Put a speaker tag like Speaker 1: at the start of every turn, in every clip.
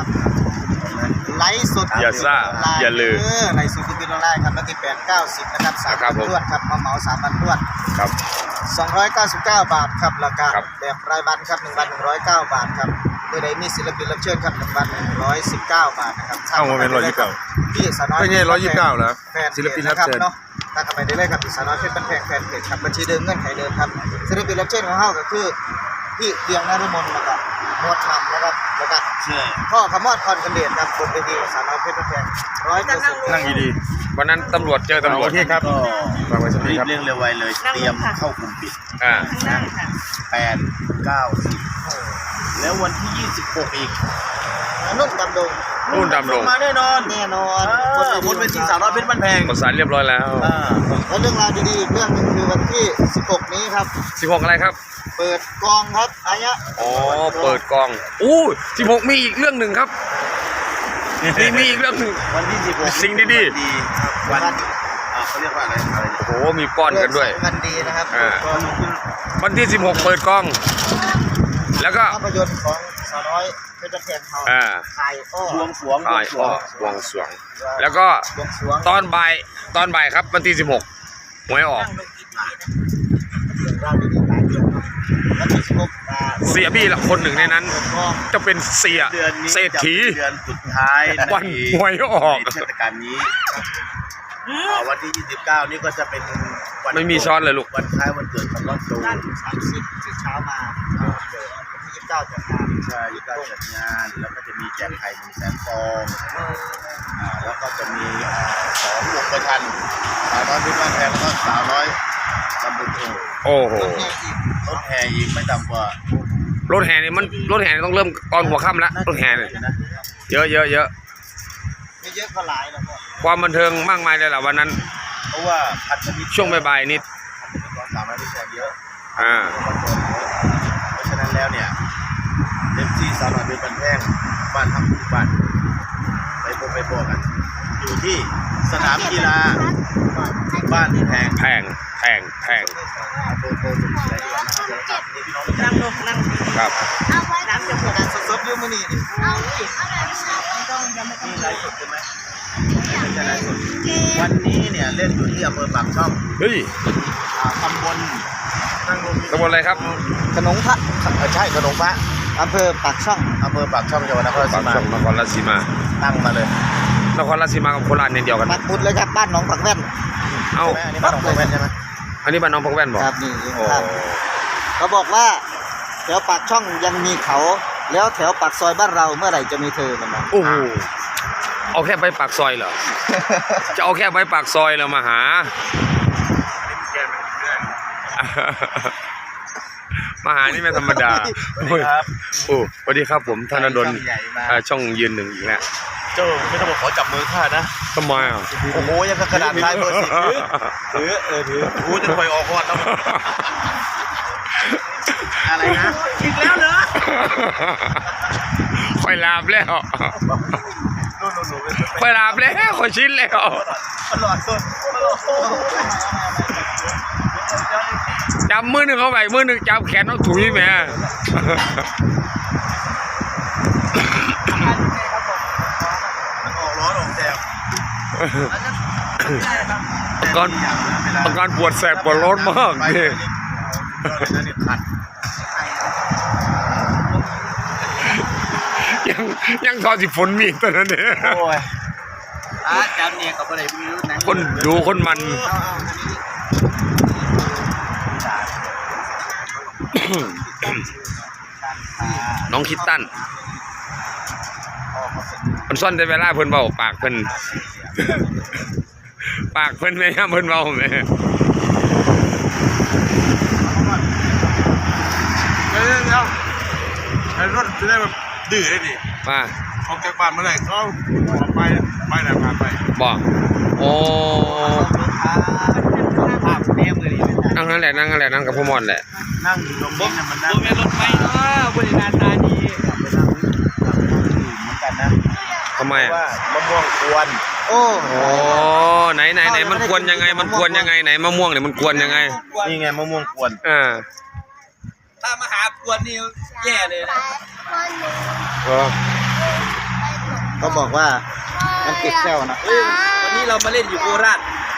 Speaker 1: ครับไลฟ์สด
Speaker 2: อย่าซ่าอย่าลืม
Speaker 1: ไลฟ์สดคือไลฟ์ครับวันที่8-9-10นะครับ3 วันรวดครับเหมา3 วันรวด
Speaker 2: ครับ
Speaker 1: 299 บาทครับราคาแบบรายวันครับ1 วัน109 บาทครับเมื่อใดมีศิลปินรับเชิญครับ1 วัน119 บาทนะครับ
Speaker 2: เอ้ามันเป็น129
Speaker 1: พี่สาวน้อย
Speaker 2: ไม่ใช่129แล้วศิลปินรับเชิญ
Speaker 1: เนาะถ้าเข้าไปได้เลยครับพี่สาวน้อยเพชรบ้านแพงแฟนเพจครับบัญชีเดิมเงื่อนไขเดิมครับศิลปินรับเชิญของเฮาก็คือพี่เดียงนฤมลนะครับโนดทำนะครับแล้วก็พ่อขมอดพรกันเดชครับบนเวทีสาวน้อยเพชรบ้านแพง100%
Speaker 2: นั่งดีๆวันนั้นตำรวจเจอตำรวจ
Speaker 3: ครับก็
Speaker 2: ฟังไว้สักที
Speaker 3: รีบ
Speaker 2: ครับ
Speaker 3: เร่งเร็วไวเลยเตรียมเข้ากลุ่มปิด8 9 10แล้ววันที่26อีก
Speaker 1: นุ่นดำดง
Speaker 3: มาแน่นอนบนเวทีสาวน้อยเพชรบ้านแพง
Speaker 2: ประสานเรียบร้อยแล้ว
Speaker 1: แล้วเรื่องราวดีๆอีกเรื่องนึงคือวันที่16นี้ครับ
Speaker 2: 16อะไรครับ
Speaker 1: เปิดกองครับอายะ
Speaker 2: อ๋อเปิดกอง16มีอีกเรื่องหนึ่งครับมีอีกเรื่องหนึ่ง
Speaker 3: วันที่16
Speaker 2: สิ่งดี
Speaker 3: วันเขาเรียกว่าอะไร
Speaker 2: โอ้โหมีป้อนกันด้วย
Speaker 1: วันดีนะครับ
Speaker 2: วันที่16เปิดกองแล้วก็
Speaker 1: ภาพยนตร์ของสาวน้อยเพชรแพงเขาถ่ายอ้อบวงสรวง
Speaker 2: แล้วก็ตอนบ่ายครับวันที่16หวยออกเสียบี้ละคนหนึ่งในนั้นจะเป็นเสียเศรษฐี
Speaker 3: เดือนสุดท้าย
Speaker 2: วันหวยออก
Speaker 3: เทศกาลนี้วันที่29นี่ก็จะเป็น
Speaker 2: ไม่มีช้อนเลยลูก
Speaker 3: วันคล้ายวันเกิดของรอดโซ่
Speaker 1: 30เช้ามา29จัดงาน
Speaker 3: ใช่29จัดงานแล้วก็จะมีแจกไข่100,000 ฟองแล้วก็จะมี2 วงประชันสาวน้อยเพชรบ้านแพงแล้วก็สาวน้อยตำบล
Speaker 2: โอ้โห
Speaker 3: รถแห่อีกไม่ต่ำกว่
Speaker 2: ารถแห่นี่ต้องเริ่มตอนหัวค่ำแล้วรถแห่เนี่ยเยอะ
Speaker 1: ไม่เยอะก็หลายแล้ว
Speaker 2: ความบันเทิงมากมายเลยแหละวันนั้น
Speaker 3: เพราะว่า
Speaker 2: ช่วงบ่ายๆนิด
Speaker 3: สาวน้อยเพชรเยอะเพราะฉะนั้นแล้วเนี่ยเต็มที่สาวน้อยเพชรบ้านแพงบ้านทำทุกบ้านไปพบกันอยู่ที่สนามกีฬาบ้านแพง
Speaker 1: นั่งลงนั่ง
Speaker 2: ครับ
Speaker 1: น้ำจะหมดสดๆอยู่มื้อนี้
Speaker 3: นี่ไลฟ์สดใช่ไหมไม่ใช่ไลฟ์สดวันนี้เนี่ยเล่นอยู่ที่อำเภอปากช่องตำบล
Speaker 2: อะไรครับ
Speaker 1: ขนมพระ
Speaker 3: ใช่ขนมพระ
Speaker 1: อำเภอปากช่อง
Speaker 3: จังหวัดนครราชสีมาตั้งมาเลย
Speaker 2: นครราชสีมากับโคราชเนี่ยเดียวกัน
Speaker 1: ปักบุตรเลยครับบ้านหนองผักแว่น
Speaker 3: อันนี้บ้านหนองผักแว่นใช่ไหม
Speaker 2: อันนี้บ้านหนองผักแว่นบอก
Speaker 1: ครับนี่เขาบอกว่าแถวปากช่องยังมีเขาแล้วแถวปากซอยบ้านเราเมื่อไหร่จะมีเธอมันมา
Speaker 2: โอ้โหเอาแค่ไปปากซอยเหรอจะเอาแค่ไปปากซอยแล้วมาหานี่ไม่ธรรมดาโอ้สวัสดีครับผมธนดลช่องยืนหนึ่งอีกแล้ว
Speaker 3: เจ้าไม่ต้องมาขอจับมือข้านะ
Speaker 2: ทำไม
Speaker 3: โอ้โหยังกระดาษลายเบอร์10ถือกูจะคอยออกก่อนแล้วอะไรนะอีกแล้วเหรอ
Speaker 2: ค่อยลาบแล้วค่อยชิ้นแล้วจับมือหนึ่งเข้าไปมือหนึ่งจับแขนเอาถุยแม่อาการปวดแสบปวดร้อนมากนี่ยังทอสิฝนมีตอนนั้นเนี่ย
Speaker 3: จับเนี่ยกับอะไรไม่รู้นะ
Speaker 2: คนดูคนมันน้องคิดตั้นมันซ่อนได้เวลาเพิ่นเบาปากเพิ่นแม่เพิ่นเบาแม่
Speaker 3: ไอ้รถจะได้แบบดื้อได้ดิ
Speaker 2: มา
Speaker 3: ออกจากบ้านเมื่อไหร่เขาไปไหนมาไป
Speaker 2: บอกโอ้นั่งนั่นแหละนั่งกับพ่อมอนแหละ
Speaker 3: นั่งอยู่ตรงนี้มันนั่ง
Speaker 1: รถไฟบริการตาดี
Speaker 3: เหมือนกันนะ
Speaker 2: ทำไม
Speaker 3: ว่ามะม่วงกวน
Speaker 1: โอ้
Speaker 2: ไหนมันกวนยังไงไหนมะม่วงเนี่ยมันกวนยังไง
Speaker 3: นี่ไงมะม่วงกวน
Speaker 1: ถ้ามาหากวนนี่แย่เลยนะก็บอกว่ามันติดแซวนะ
Speaker 4: วันนี้เรามาเล่นอยู่โคราช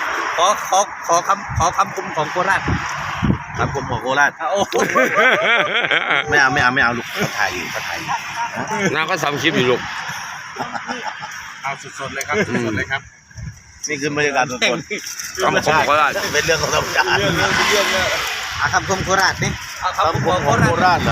Speaker 4: ขอคำคมของโคราช
Speaker 3: ครับผมของโคราช
Speaker 4: โอ้โห
Speaker 3: ไม่เอาลูกเขาถ่ายอยู่เขาถ่ายอยู่
Speaker 2: น้าก็ทำคลิปอยู่ลูก
Speaker 3: เอาสดๆเลยครับสดๆเลยครับนี่คือบรรยากาศสด
Speaker 2: คำคมโคราช
Speaker 3: ๆเป็นเรื่องของธรรมชาติ
Speaker 1: คำคมโคราชนี่
Speaker 4: เอาคำคม
Speaker 3: ข
Speaker 4: ข
Speaker 3: อ
Speaker 4: อง ง
Speaker 3: โค
Speaker 4: โคราช
Speaker 3: ราชเหรอ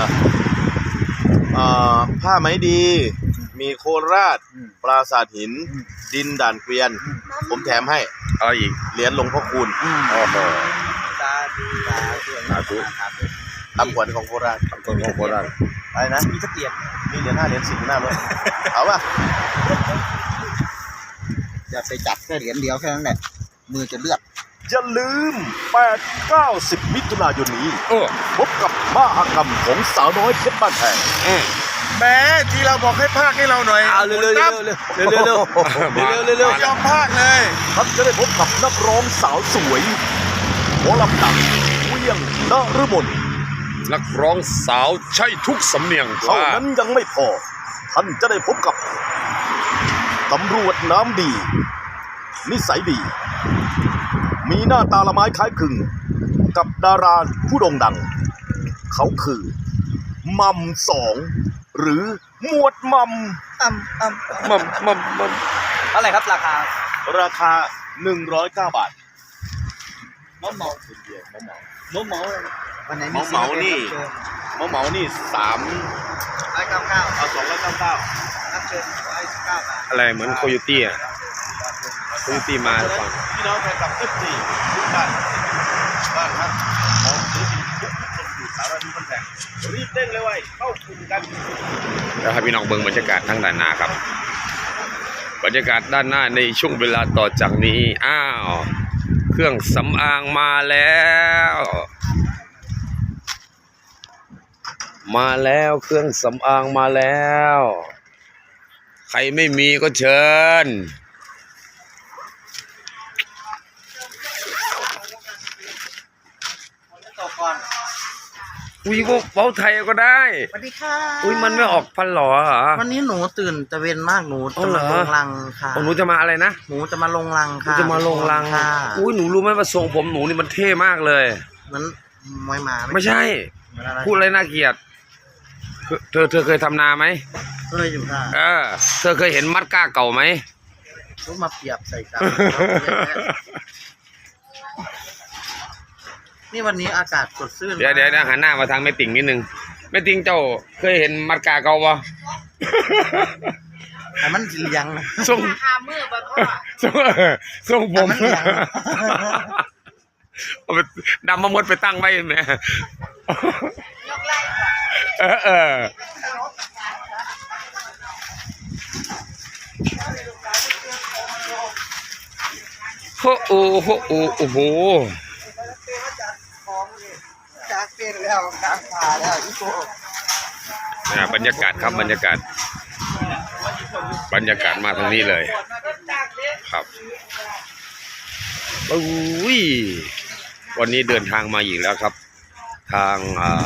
Speaker 3: ผ้าไหมดี มีโคราช ปราสาทหิน ดินด่านเกวียน ผมแถมให้
Speaker 2: เอาอีก
Speaker 3: เหรียญหลวงพ่อคูณ
Speaker 2: โอ้โห
Speaker 1: สาธุสาธุ
Speaker 3: ทำขวัญของโคราช
Speaker 2: คำคมของโคราช
Speaker 3: อะไรนะ
Speaker 4: มีตะเกียบ
Speaker 3: มีเหรียญ5เหรียญ10อยู่หน้ารถเอาป่ะ
Speaker 1: อย่าไปจับแค่เหรียญเดียวแค่นั้นแหละมือจะเลือด
Speaker 3: อย่าลืม 8-9-10 มิถุนายนนี้
Speaker 2: โอ้
Speaker 3: พบกับมหกรรมของสาวน้อยเพชรบ้านแพง
Speaker 5: แม้ที่เราบอกให้ภาคให้เราหน่อย
Speaker 4: เอาเร็วๆ
Speaker 5: ตั้ม
Speaker 4: เร็ว
Speaker 5: ไม่ยอมภาคเลย
Speaker 3: ท่านจะได้พบกับนักร้องสาวสวยหมอลำดังเวียงนฤมล
Speaker 2: นักร้องสาวใช่ทุกสำเนียง
Speaker 3: เท่า
Speaker 2: ว่า
Speaker 3: นั้นยังไม่พอ ท่านจะได้พบกับตำรวจน้ำดี นิสัยดี มีหน้าตาละไม้คล้ายคลึง กับดาราผู้โด่งดัง เขาคือมัมสองหรือหมวดมัม
Speaker 2: มัน
Speaker 4: เท่าไหร่ครับราคา
Speaker 3: ราคา 109 บาท
Speaker 4: เมาเมา
Speaker 1: วันไหน
Speaker 3: เหมาเหมานี่ เหมานี่
Speaker 1: 199
Speaker 3: เอา299
Speaker 1: รับเชิญ119 บาท
Speaker 2: อะไรเหมือนโคโยตี้อ่ะโคโยตี้มาหรือเปล่า
Speaker 3: พี่น้องแฟนคลับ F4 ทุกท่านบ้านครับของศิลปินทุกคนอยู่สารพัดคนแข่งรีบเร่งเลยไว้เข้ากลุ่มกัน
Speaker 2: แล้วให้พี่น้องเบิ่งบรรยากาศทั้งด้านหน้าครับ บรรยากาศด้านหน้าในช่วงเวลาต่อจากนี้อ้าวเครื่องสำอางมาแล้ว มาแล้วเครื่องสำอางมาแล้ว ใครไม่มีก็เชิญ
Speaker 4: ต่อก่อน
Speaker 2: อุ้ยเว้าไทยก็ได้
Speaker 6: สวัสดีค่ะ
Speaker 2: อุ้ยมันไม่ออกพันหรอเหรอ
Speaker 6: วันนี้หนูตื่นตะเวนมากหนู
Speaker 2: อ๋อ
Speaker 6: จะ
Speaker 2: เหร
Speaker 6: มา
Speaker 2: อ
Speaker 6: ลงรังค่ะ
Speaker 2: หนูจะมาอะไรนะ
Speaker 6: หนูจะมาลงรัง
Speaker 2: หนู
Speaker 6: ค่ะ
Speaker 2: จะมาลงรัง
Speaker 6: ค่ะ
Speaker 2: อุ้ยหนูรู้ไหมว่าทรงผมหนูนี่มันเท่มากเลย
Speaker 6: เหมันมวยหมา
Speaker 2: ไม่ใช่
Speaker 6: เหมือนอะไร
Speaker 2: พูดอะไรน่าเกลียดเธอเคยทำนาไหม
Speaker 6: เคยอยู่ค่ะ
Speaker 2: เธอเคยเห็นมัดก้าเก่าไหม
Speaker 6: รู้มาเปรียบใส่กันนี่วันนี้อากาศสดชื่น
Speaker 2: เดี๋ยวหันหน้ามาทางแม่ติ่งนิดนึงแม่ติ่งเจ้าเคยเห็นมัดก้าเก่าปะ
Speaker 6: แต่มันสีเหลียงนะ
Speaker 2: ทรงทรงผม
Speaker 6: แต่มันเหลียง
Speaker 2: เอาไปดำมาหมดไปตั้งไว้แม่เออโอ้โห
Speaker 1: จากเป็นแล้วกลางป่าแล้วอีโก้
Speaker 2: บรรยากาศครับบรรยากาศมาทางนี้เลยครับอุ้ยวันนี้เดินทางมาอีกแล้วครับ ทาง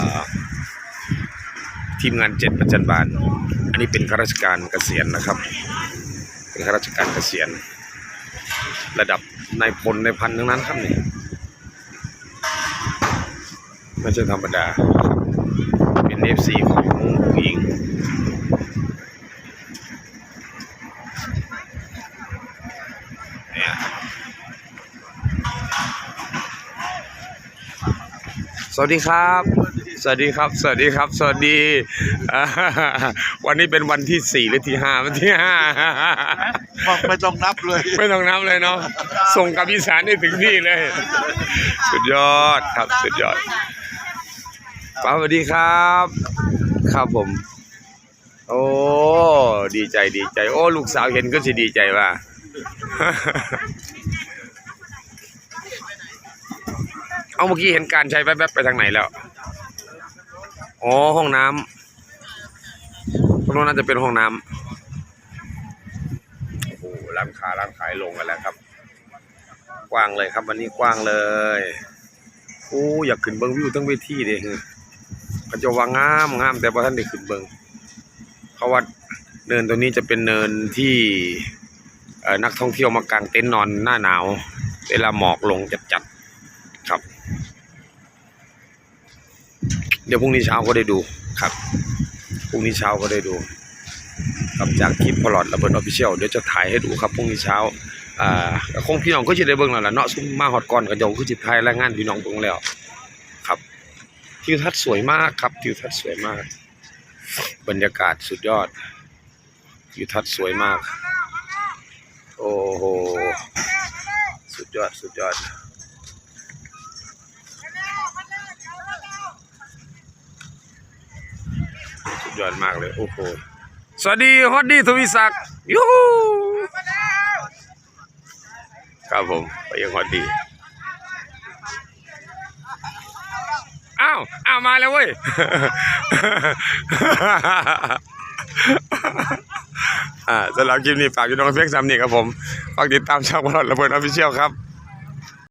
Speaker 2: ทีมงาน7ประจันบานอันนี้เป็นข้าราชการเกษียณนะครับเป็นข้าราชการเกษียณระดับนายพลนายพันทั้งนั้นครับนี่ไม่ใช่ธรรมดาเป็น FC ของผู้หญิงเนี่ยสวัสดีครับ สวัสดีครับ สวัสดีครับ สวัสดีวันนี้เป็นวันที่4หรือที่5วันที่5
Speaker 5: บอกไม่ต้องนับเลย
Speaker 2: ไม่ต้องนับเลยเนาะส่งกับอีสานได้ถึงที่เลย สุดยอดครับสุดยอดป้าสวัสดีครับ ครับผม โอ้ดีใจโอ้ลูกสาวเห็นก็สิดีใจว่า เอาเมื่อกี้เห็นการใช้แป๊บๆไปทางไหนแล้วอ๋อห้องน้ำตรงนั้นน่าจะเป็นห้องน้ำโอ้โหร้านขายลงกันแล้วครับกว้างเลยครับวันนี้กว้างเลยโอ้อยากขึ้นเบิ้งวิวทั้งเวทีเลยก็จะว่างามแต่พอท่านได้ขึ้นเบิ้งเขาว่าเนินตัวนี้จะเป็นเนินที่นักท่องเที่ยวมากางเต็นท์นอนหน้าหนาวเวลาหมอกลงจัดๆครับเดี๋ยวพรุ่งนี้เช้าก็ได้ดูครับพรุ่งนี้เช้าก็ได้ดูครับจากคลิปพลอดระเบิดออฟฟิเชียลเดี๋ยวจะถ่ายให้ดูครับพรุ่งนี้เช้าคงพี่น้องก็จะได้เบิ่งแล้วล่ะเนาะซุ่มมาฮอดก่อนก็เดี๋ยวคือสิถ่ายรายงานพี่น้องเบิ่งแล้วครับทิวทัศน์สวยมากครับทิวทัศน์สวยมากบรรยากาศสุดยอดทิวทัศน์สวยมากโอ้โหสุดยอดสุดยอดสุดยอดมากเลยโอ้โหสวัสดีฮอดดี้ทวีศักดิ์ยูฮูครับผมไปยังฮอดดี้อ้าวมาแล้วเว้ย สำหรับคลิปนี้ฝากพี่น้องเพียงซ้ำนี่ครับผมฝากติดตามช่องพลอดระเบิดออฟฟิเชียลครับ